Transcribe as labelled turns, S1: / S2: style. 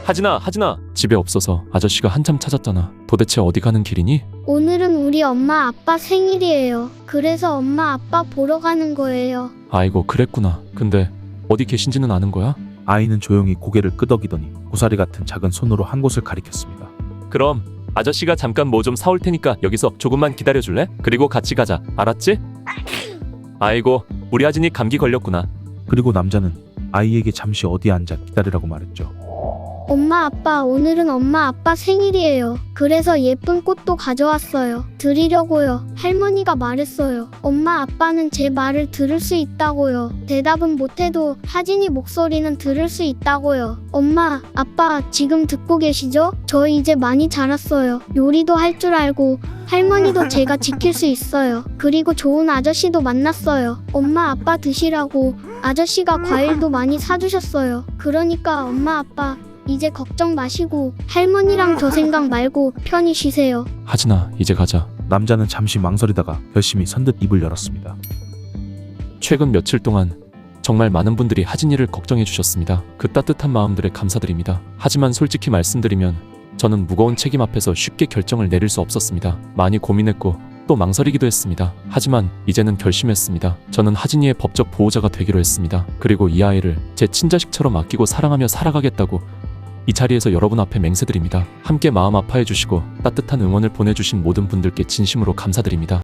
S1: 하진아, 집에 없어서 아저씨가 한참 찾았잖아. 도대체 어디 가는 길이니?
S2: 오늘은 우리 엄마 아빠 생일이에요. 그래서 엄마 아빠 보러 가는 거예요.
S1: 아이고, 그랬구나. 근데 어디 계신지는 아는 거야?
S3: 아이는 조용히 고개를 끄덕이더니 고사리 같은 작은 손으로 한 곳을 가리켰습니다.
S1: 그럼 아저씨가 잠깐 뭐 좀 사올 테니까 여기서 조금만 기다려줄래? 그리고 같이 가자. 알았지? 아이고, 우리 하진이 감기 걸렸구나.
S3: 그리고 남자는 아이에게 잠시 어디에 앉아 기다리라고 말했죠.
S2: 엄마 아빠 오늘은 엄마 아빠 생일이에요. 그래서 예쁜 꽃도 가져왔어요. 드리려고요. 할머니가 말했어요. 엄마 아빠는 제 말을 들을 수 있다고요. 대답은 못해도 하진이 목소리는 들을 수 있다고요. 엄마 아빠 지금 듣고 계시죠? 저 이제 많이 자랐어요. 요리도 할 줄 알고 할머니도 제가 지킬 수 있어요. 그리고 좋은 아저씨도 만났어요. 엄마 아빠 드시라고 아저씨가 과일도 많이 사주셨어요. 그러니까 엄마 아빠 이제 걱정 마시고 할머니랑 저 생각 말고 편히 쉬세요.
S1: 하진아, 이제 가자.
S3: 남자는 잠시 망설이다가 결심이 선듯 입을 열었습니다.
S1: 최근 며칠 동안 정말 많은 분들이 하진이를 걱정해 주셨습니다. 그 따뜻한 마음들에 감사드립니다. 하지만 솔직히 말씀드리면 저는 무거운 책임 앞에서 쉽게 결정을 내릴 수 없었습니다. 많이 고민했고 또 망설이기도 했습니다. 하지만 이제는 결심했습니다. 저는 하진이의 법적 보호자가 되기로 했습니다. 그리고 이 아이를 제 친자식처럼 아끼고 사랑하며 살아가겠다고 이 자리에서 여러분 앞에 맹세드립니다. 함께 마음 아파해 주시고 따뜻한 응원을 보내주신 모든 분들께 진심으로 감사드립니다.